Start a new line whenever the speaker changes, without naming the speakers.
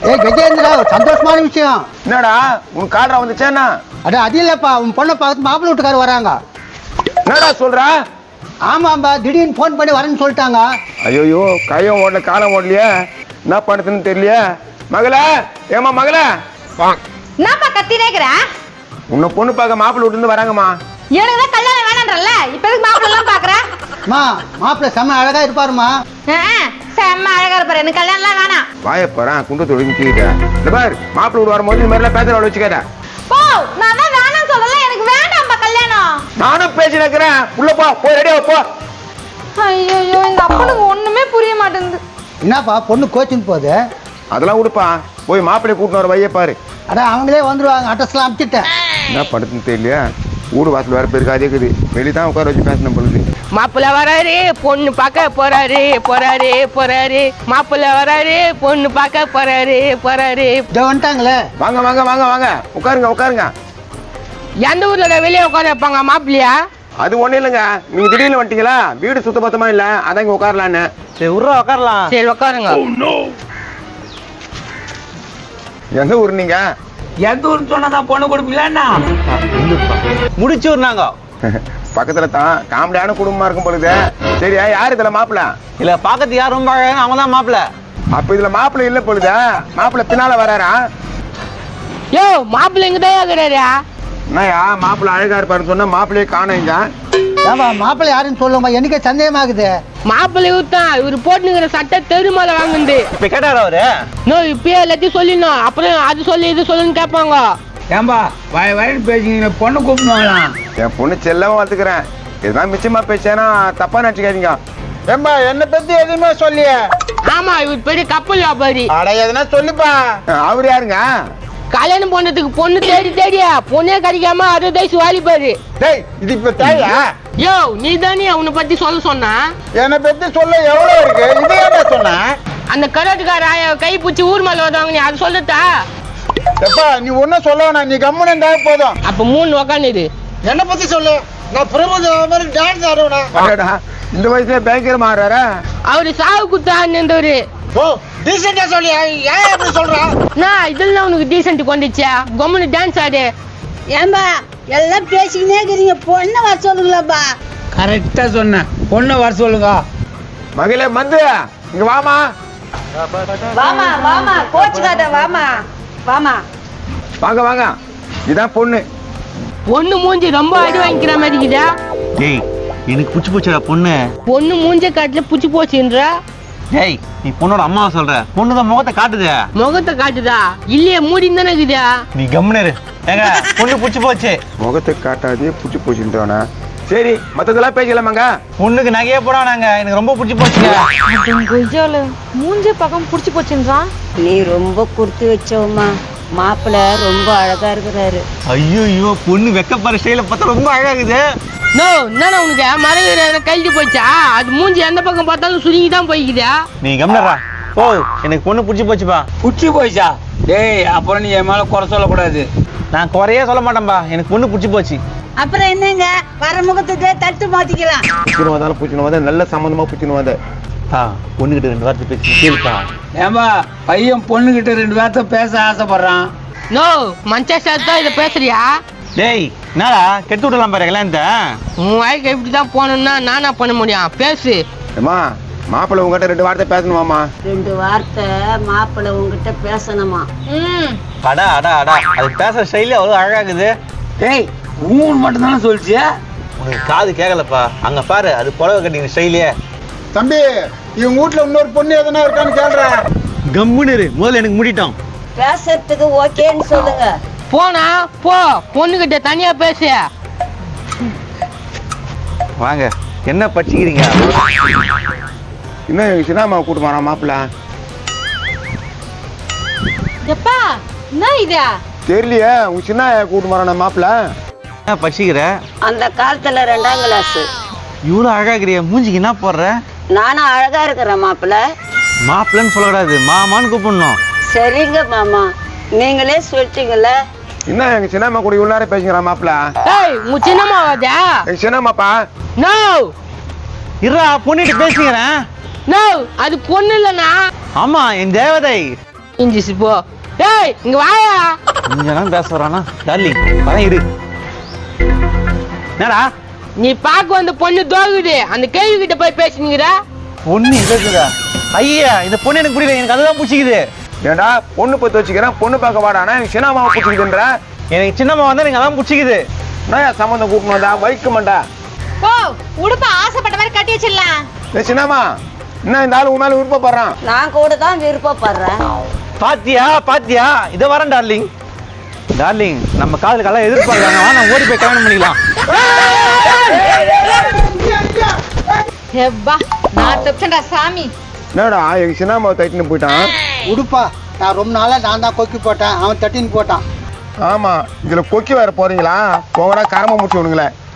ஏய் கஜேந்திரா, சந்தோஷமான விஷயம்.
என்னடா உன் கார்டா வந்துச்சேன்னா?
அட அது இல்லப்பா, உன் பொண்ணை பார்த்து மாப்பிள்ளை வீட்டுக்காரர் வராங்க.
என்னடா சொல்ற?
ஆமாம்பா, திடீர்னு ஃபோன் பண்ணி வரேன்னு சொல்லிட்டாங்க.
ஐயோ, கையும் ஓடல காலம் ஓடலையே, என்ன பண்ணுறதுன்னு தெரியலையே. மகளே, ஏமா மகளே,
என்னப்பா கத்தினேக்குற?
உன்னை பொண்ணு பார்க்க மாப்பிள்ளை வீட்டுல வராங்கம்மா.
எனக்கு தான் கல்யாணம் வேணான்றல்ல, இப்ப எதுக்கு மாப்பிள்ளை எல்லாம் பாக்குற?
அம்மா, மாப்பிள்ளை செம்ம அழகா இருப்பாருமா.
செம்ம அழகா இருப்பாரு, எனக்கு கல்யாணம் எல்லாம் வேணாம்.
வாய போறேன் குண்டு தொழில் இந்த பார், மாப்பிள்ளை வீடு வரும்போது இந்த மாதிரிலாம் பேசுற வச்சுக்காத.
போ, நான் தான் வேணாம் சொல்லல, எனக்கு வேண்டாம்ப்பா கல்யாணம்.
நானும் பேசி நிக்கிறேன், உள்ள போ, போய் ரெடியா போ.
ஐயோ, இந்த அப்பனுக்கு ஒண்ணுமே புரிய மாட்டேங்குது.
என்னப்பா பொண்ணு கோச்சின்னு போகுது?
அதெல்லாம் விடுப்பா, போய் மாப்பிள்ளை கூட்டின்னு வர வைய பாரு.
அட அவங்களே வந்துருவாங்க, அட்ரஸ்லாம் அனுப்பிச்சிட்டேன்.
என்ன படுத்துன்னு தெரியலையா, வீடு வாசல் வேற பேருக்கு அதே இருக்குது, வெளியே தான் உட்கார வச்சு பேசணும் பொழுது.
மாப்பிள்ளை வராரு, பொண்ணு பார்க்க போறாரு. மாப்பிள்ளை வராரு, பொண்ணு பார்க்க போறாரு.
இதோ வந்துட்டாங்களே.
வாங்க வாங்க வாங்க வாங்க, உட்காருங்க.
எந்த ஊர்ல வெளியே உட்கார வைப்பாங்க மாப்பிள்ளையா?
அது ஒண்ணும் இல்லைங்க, நீங்க திடீர்னு வந்துட்டீங்களா, வீடு சுத்த பத்தமா இல்ல, அதான் இங்க உட்காரலான்னு.
சரி உட்றா உட்காரலாம்.
சரி உட்காருங்க.
எந்த ஊர் நீங்க?
எந்த ஊர்னு சொன்னா பொண்ணு கொடுப்பீங்களா? முடிச்சு விடுறாங்க.
பக்கத்துல தான், காமெடியான குடும்பமா இருக்கும் பொழுது. சரி, யாரு இதுல மாப்பிள்ள?
இல்ல பாக்கத்து யார் ரொம்ப அழகான அவங்க தான் மாப்பிள்ள.
அப்ப இதுல மாப்பிள்ள இல்ல பொழுது, மாப்பிள்ள பின்னால வராரா?
யோ, மாப்பிள்ளை இங்கதான் இருக்கிறாரு.
என்னயா மாப்பிள்ள அழகா இருப்பாருன்னு சொன்னா மாப்பிள்ளையே காணீங்க.
ஏன்பா மாப்பிள்ளை யாருன்னு சொல்லுமா, எனக்கே சந்தேகமாகுது.
மாப்பிள்ளை ஊத்தான் இவரு போட்டுங்கிற சட்டை தெருமால வாங்குது.
இப்ப கேட்டாரு அவரு.
நோ, இப்பயே எல்லாத்தையும் சொல்லிடணும், அப்புறம் அது சொல்லி இது சொல்லுன்னு கேட்பாங்க.
ஏம்பா வயன்னு பேசிங்க, பொண்ணு கூப்பிடுவாங்களாம்.
என் பொண்ணு செல்லவும் வளர்த்துக்கிறேன், இதெல்லாம் மிச்சமா பேச்சேன்னா தப்பா நினைச்சுக்காதீங்க.
ஏம்பா என்ன பத்தி எதுவுமே சொல்லிய?
ஆமா, இவர் பெரிய கப்பல் வியாபாரி.
அட எதுனா சொல்லுப்பா.
அவரு யாருங்க?
கல்யாணம் பண்ணதுக்கு பொண்ணு தேடியா பொண்ணே கிடைக்காம 60 வயசு வாலிபாரு.
டேய் இது இப்ப தேவையா?
யோ, நீ தானே அவனை பத்தி சொல்ல சொன்னா?
என்னை பத்தி சொல்ல எவ்வளவு இருக்கு, இது என்ன சொன்ன?
அந்த கரோட்டுக்கார கை பிடிச்சி ஊர் மேல வருவாங்க, நீ அது சொல்லட்டா?
எப்பா நீ ஒன்னும் சொல்ல வேணாம், நீ கம்முன்னு இருந்தா போதும்.
அப்ப 3 உக்காந்துது.
என்ன பத்தி சொல்லு, நான் பிரபஞ்ச மாதிரி டான்ஸ் ஆடுவேனா?
இந்த வயசுல பயங்கரமா ஆடுறாரா?
அவரு சாவு குத்தான்னு.
ஓ டீசெண்டா சொல்லி ஏன் அப்படி சொல்றா?
நான் இதெல்லாம் உனக்கு டீசென்ட் கொண்டுச்சா, கம்முன்னு டான்ஸ் ஆடு.
ஏம்பா எல்லாம் பேசிக்கினே இருக்கிறீங்க, பொண்ணை வர சொல்லுங்களப்பா.
கரெக்டா சொன்ன, பொண்ணை வர சொல்லுங்க.
மகளே மந்து, இங்க வாமா.
வாமா கோச்சுக்காத, வாமா.
வாங்க வாங்க, இதான் பொண்ணு.
பொண்ணு மூஞ்சி ரொம்ப அடி வாங்கிக்கிற மாதிரி இருக்குதா?
டேய் எனக்கு புடிச்சு போச்சுடா பொண்ணு.
பொண்ணு மூஞ்ச காட்டுல புடிச்சு போச்சுன்ற.
டேய் நீ பொண்ணோட அம்மாவை சொல்ற, பொண்ணு தான் முகத்தை காட்டுது.
முகத்தை காட்டுதா? இல்லையே, மூடி தானே இருக்குதா?
நீ கம்முனரு. ஏங்க பொண்ணு புடிச்சு போச்சு.
முகத்தை காட்டாதே புடிச்சு போச்சுன்றவனா? சரி, மத்ததெல்லாம் பேசலாமாங்க.
பொண்ணுக்கு நகையே போடானாங்க, எனக்கு ரொம்ப புடிச்சு போச்சுங்க.
மூஞ்ச பக்கம் புடிச்சு போச்சுன்றான்.
நீ ரொம்ப குடுத்து வச்சவம்மா, மாப்பிள்ளை ரொம்ப அழகா இருக்கிறாரு.
ஐயோ பொண்ணு வெக்கப்பாரு ஸ்டைல பார்த்தா ரொம்ப அழகாகுது.
நோ, என்னடா உனக்கு மரகிற கழட்டி போச்சா? அது மூஞ்சி எந்த பக்கம் பார்த்தாலும் சுருங்கி தான் போய்க்குதா?
நீ கம்னரா. ஓ எனக்கு பொண்ணு புடிச்சு போச்சுப்பா.
புடிச்சு போயிச்சா? டேய் அப்புறம் நீ என் மேல குறை சொல்லக்கூடாது.
நான் குறையே சொல்ல மாட்டேன்பா, எனக்கு பொண்ணு புடிச்சு போச்சு.
அப்புறம் என்னங்க, வர முகத்தை தட்டு மாத்திக்கலாம்.
புச்சுன்னு வந்தாலும் புச்சுன்னு வந்த, நல்ல சம்பந்தமா புச்சுன்னு வந்த.
பொண்ணுகிட்ட 2 வார்த்தை பேசி கேளுப்பா.
ஏம்பா பையன் பொண்ணுகிட்ட 2 வார்த்தை பேச ஆசைப்படுறான்.
நோ, மஞ்சள் தான் இதை பேசுறியா?
டேய் என்னடா கெட்டு விடலாம் பாரு கல்யாணத்தை.
உன் வாழ்க்கை இப்படிதான் போகணும்னா நானா பண்ண முடியும்? பேசு.
ஏமா மாப்பிள்ளை உங்ககிட்ட 2 வார்த்தை பேசணுமாமா?
2 வார்த்தை மாப்பிள்ளை உங்ககிட்ட பேசணுமா?
அடா அது பேசுற ஸ்டைலே அவ்வளவு அழகாகுது.
டேய் ஊன் மட்டும் தானே சொல்லிச்சு.
உனக்கு காது கேட்கலப்பா, அங்க பாரு அது புடவை கட்டிங்க ஸ்டைலே.
தம்பி இவங்க வீட்டுல இன்னொரு பொண்ணு எதனா இருக்கான்னு கேள்றேன்.
கம்முனரு, முதல்ல எனக்கு முடிட்டோம்.
பேசுறதுக்கு ஓகேன்னு சொல்லுங்க.
போனா போ, பொண்ணுகிட்ட தனியா பேசு.
வாங்க, என்ன படிச்சுக்கிறீங்க?
இன்னும் சின்னாமா கூட்டு போறான் மாப்பிள்ள.
எப்பா என்ன இதா?
தெரியலையே, உங்க சின்ன கூட்டு போறான மாப்பிள்ள.
என்ன படிச்சுக்கிற?
அந்த காலத்துல 2ஆம் கிளாஸ்.
இவ்வளவு அழகாகிறிய, மூஞ்சிக்கு என்ன போடுற?
நானும் அழகா இருக்கிறேன் மாப்பிள்ளை.
மாப்பிள்ளன்னு சொல்லக்கூடாது, மாமான்னு கூப்பிடணும்.
சரிங்க மாமா, நீங்களே சொல்லிட்டீங்கல்ல.
என்ன எங்க சின்னம்மா கூட இவ்வளவு நேரம் பேசுங்கிறான் மாப்பிள்ள?
ஏய், உன் சின்னம்மாவாதா?
எங்க சின்னம்மாப்பா.
நோ
இருடா, பொண்ணிட்டு பேசுகிறேன்.
நோ, அது பொண்ணு இல்லனா?
ஆமா என் தேவதை.
இஞ்சிச்சு போ. டேய் இங்க வாயா.
இங்கதான் பேச வரானா டார்லிங் வரேன் இரு. என்னடா
நீ பாக்க வந்த பொண்ணு தோகுது, அந்த கேள்வி கிட்ட போய் பேசுனீங்கற.
பொண்ணு இருக்குதா? ஐயா இந்த பொண்ணு எனக்கு புரியல, எனக்கு அதுதான் பிடிச்சிக்குது.
ஏண்டா பொண்ணு பத்து வச்சுக்கிறேன், பொண்ணு பார்க்க வாடானா சின்னம்மாவை பிடிச்சிக்கிதுன்ற.
எனக்கு சின்னம்மா வந்தா எனக்கு அதான் பிடிச்சிக்குது.
நான் சம்மந்தம் கூப்பிடணும்டா, வைக்க மாட்டா.
ஓ உடுப்ப ஆசைப்பட்ட மாதிரி கட்டி வச்சிடலாம்.
சின்னம்மா என்ன இந்த ஆளு உன் மேல விருப்பப்படுறான்?
நான் கூட தான் விருப்பப்படுறேன்.
பாத்தியா பாத்தியா இத வரேன் டார்லிங். டார்லிங் நம்ம காதலுக்கெல்லாம் எதிர்பார்க்கறாங்க, வா நம்ம ஓடி போய் கல்யாணம் பண்ணிக்கலாம்.
ஹெப்பா நான் தப்பிச்சேன்டா சாமி.
என்னடா எங்க சின்னம்மாவை தட்டின்னு போயிட்டான்.
உடுப்பா, நான் ரொம்ப நாளா நான் தான் கொக்கி போட்டேன், அவன் தட்டின்னு போட்டான்.
ஆமா இதுல கொக்கி வேற போறீங்களா? போங்கடா கரம முடிச்சு விடுங்களேன்.